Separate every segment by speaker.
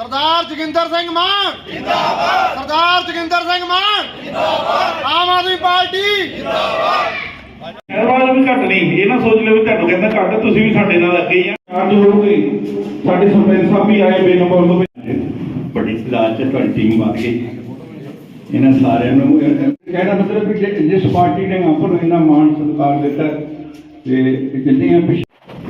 Speaker 1: सरदार जोगिंदर सिंह मान जिंदाबाद, सरदार जोगिंदर सिंह मान जिंदाबाद, आम आदमी पार्टी
Speaker 2: ਐਤਵਾਰ ਵੀ ਘੱਟ ਨਹੀਂ, ਇਹ ਨਾ ਸੋਚ ਲਿਓ ਵੀ ਤੁਹਾਨੂੰ ਕਹਿੰਦਾ ਘੱਟ, ਤੁਸੀਂ ਵੀ ਸਾਡੇ ਨਾਲ ਅੱਗੇ ਹੀ ਆ। ਚਾਰਜ ਹੋਊਗੀ, ਸਾਡੇ ਸਰਪੰਚ ਸਾਹਿਬ ਵੀ ਆਏ ਬੇਨੰਬਰ ਤੋਂ।
Speaker 3: ਬੜੀ ਸਲਾਹ ਚ ਤੁਹਾਡੀ ਟੀਮ ਆ ਗਈ, ਇਹਨਾਂ ਸਾਰਿਆਂ ਨੂੰ ਕਹਿਣਾ ਮਤਲਬ ਕਿ ਜਿਸ ਪਾਰਟੀ ਨੇ ਆਪਾਂ ਨੂੰ ਇੰਨਾ ਮਾਣ ਸਤਿਕਾਰ ਦਿੱਤਾ ਤੇ ਜਿੰਨੀਆਂ ਪਿਛੇ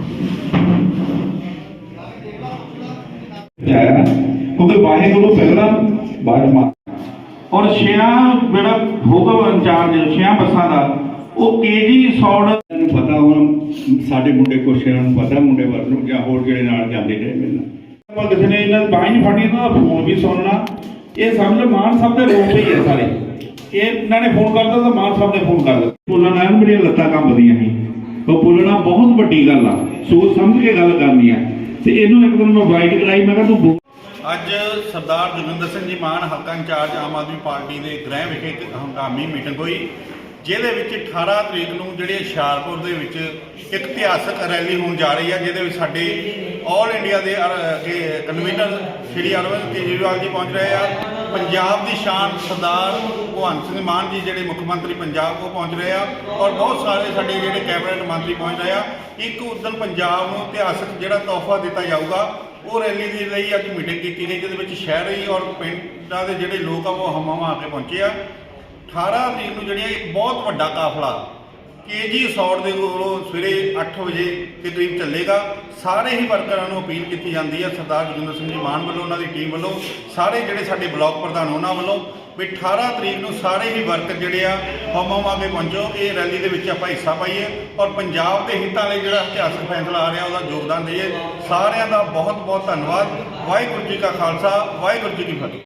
Speaker 2: ਕਿਉਂਕਿ ਵਾਹਿਗੁਰੂ ਪਹਿਲਾਂ ਬਾਅਦ ਮਾ ਔਰ ਛਿਆਂ ਜਿਹੜਾ ਹੋਊਗਾ ਇੰਚਾਰਜ ਛਿਆਂ ਬੱਸਾਂ ਦਾ ਉਹ ਕੇਜੀ ਸੌੜ
Speaker 3: ਨੂੰ ਪਤਾ, ਹੁਣ ਸਾਡੇ ਮੁੰਡੇ ਕੁਛ ਨੂੰ ਪਤਾ, ਮੁੰਡੇ ਵਰ ਨੂੰ ਜਾਂ ਹੋਰ ਜਿਹੜੇ ਨਾਲ ਜਾਂਦੇ ਨੇ ਮਿਲਣਾ।
Speaker 2: ਆਪਾਂ ਕਿਸੇ ਨੇ ਇਹਨਾਂ ਦੀ ਬਾਂਹ ਨਹੀਂ ਫੜਨੀ, ਇਹਨਾਂ ਦਾ ਫੋਨ ਵੀ ਸੁਣਨਾ। ਇਹ ਸਮਝ ਲਓ ਮਾਨ ਸਾਹਿਬ ਦੇ ਰੋਪ ਹੀ ਹੈ ਸਾਰੇ। ਇਹ ਇਹਨਾਂ ਨੇ ਫੋਨ ਕਰਦਾ ਤਾਂ ਮਾਨ ਸਾਹਿਬ ਨੇ ਫੋਨ ਕਰ ਦਿੱਤਾ। ਬੋਲਣਾ ਇਹਨੂੰ ਮੇਰੀਆਂ ਲੱਤਾਂ ਕੰਬਦੀਆਂ ਸੀ, ਉਹ ਬੋਲਣਾ ਬਹੁਤ ਵੱਡੀ ਗੱਲ ਆ, ਸੋਚ ਸਮਝ ਕੇ ਗੱਲ ਕਰਨੀ ਆ। ਤੇ ਇਹਨੂੰ ਇੱਕ ਦਿਨ ਮੈਂ ਵਾਈਟ ਕਰਾਈ, ਮੈਂ ਕਿਹਾ ਤੂੰ
Speaker 4: ਅੱਜ ਸਰਦਾਰ ਜੋਗਿੰਦਰ ਸਿੰਘ ਜੀ ਮਾਨ ਹਲਕਾ ਇੰਚਾਰਜ ਆਮ ਆਦਮੀ ਪਾਰਟੀ ਦੇ ਗ੍ਰਹਿ ਵਿਖੇ ਇੱਕ ਹੰਗਾਮੀ ਮੀਟਿੰਗ ਹੋਈ, ਜਿਹਦੇ ਵਿੱਚ 18 ਤਰੀਕ ਨੂੰ ਜਿਹੜੇ ਹੁਸ਼ਿਆਰਪੁਰ ਦੇ ਵਿੱਚ ਇੱਕ ਇਤਿਹਾਸਕ ਰੈਲੀ ਹੋਣ ਜਾ ਰਹੀ ਹੈ, ਜਿਹਦੇ ਵਿੱਚ ਸਾਡੇ ਆਲ ਇੰਡੀਆ ਦੇ ਕਨਵੀਨਰ ਸ਼੍ਰੀ ਅਰਵਿੰਦ ਕੇਜਰੀਵਾਲ ਜੀ ਪਹੁੰਚ ਰਹੇ ਆ। ਪੰਜਾਬ ਦੀ ਸ਼ਾਨ ਸਰਦਾਰ ਭਗਵੰਤ ਸਿੰਘ ਮਾਨ ਜੀ ਜਿਹੜੇ ਮੁੱਖ ਮੰਤਰੀ ਪੰਜਾਬ ਉਹ ਪਹੁੰਚ ਰਹੇ ਆ, ਔਰ ਬਹੁਤ ਸਾਰੇ ਸਾਡੇ ਜਿਹੜੇ ਕੈਬਨਿਟ ਮੰਤਰੀ ਪਹੁੰਚ ਰਹੇ ਆ। ਇੱਕ ਉਦਣ ਪੰਜਾਬ ਨੂੰ ਇਤਿਹਾਸਕ ਜਿਹੜਾ ਤੋਹਫਾ ਦਿੱਤਾ ਜਾਊਗਾ, ਉਹ ਰੈਲੀ ਦੇ ਲਈ ਅੱਜ ਮੀਟਿੰਗ ਕੀਤੀ ਗਈ, ਜਿਹਦੇ ਵਿੱਚ ਸ਼ਹਿਰੀ ਔਰ ਪਿੰਡਾਂ ਦੇ ਜਿਹੜੇ ਲੋਕ ਆ ਉਹ ਹਮਾਂ ਆ ਕੇ ਪਹੁੰਚੇ ਆ। 18 ਤਰੀਕ ਨੂੰ ਜਿਹੜੀਆਂ ਇੱਕ ਬਹੁਤ ਵੱਡਾ ਕਾਫਲਾ ਕੇਜੀ ਸੌੜ ਦੇ ਕੋਲੋਂ ਸਵੇਰੇ 8 ਵਜੇ ਦੇ ਕਰੀਬ ਚੱਲੇਗਾ। ਸਾਰੇ ਹੀ ਵਰਕਰਾਂ ਨੂੰ ਅਪੀਲ ਕੀਤੀ ਜਾਂਦੀ ਹੈ ਸਰਦਾਰ ਜੋਗਿੰਦਰ ਸਿੰਘ ਜੀ ਮਾਨ ਵੱਲੋਂ, ਉਹਨਾਂ ਦੀ ਟੀਮ ਵੱਲੋਂ, ਸਾਰੇ ਜਿਹੜੇ ਸਾਡੇ ਬਲਾਕ ਪ੍ਰਧਾਨ ਉਹਨਾਂ ਵੱਲੋਂ ਵੀ 18 ਤਰੀਕ ਨੂੰ ਸਾਰੇ ਹੀ ਵਰਕਰ ਜਿਹੜੇ ਆ ਹਮਾਂ ਕੇ ਪਹੁੰਚੋ, ਇਹ ਰੈਲੀ ਦੇ ਵਿੱਚ ਆਪਾਂ ਹਿੱਸਾ ਪਾਈਏ ਔਰ ਪੰਜਾਬ ਦੇ ਹਿੱਤਾਂ ਲਈ ਜਿਹੜਾ ਇਤਿਹਾਸਕ ਫੈਸਲਾ ਆ ਰਿਹਾ ਉਹਦਾ ਯੋਗਦਾਨ ਦਈਏ। ਸਾਰਿਆਂ ਦਾ ਬਹੁਤ ਬਹੁਤ ਧੰਨਵਾਦ। ਵਾਹਿਗੁਰੂ ਜੀ ਕਾ ਖਾਲਸਾ, ਵਾਹਿਗੁਰੂ ਜੀ ਕੀ ਫਤਿਹ।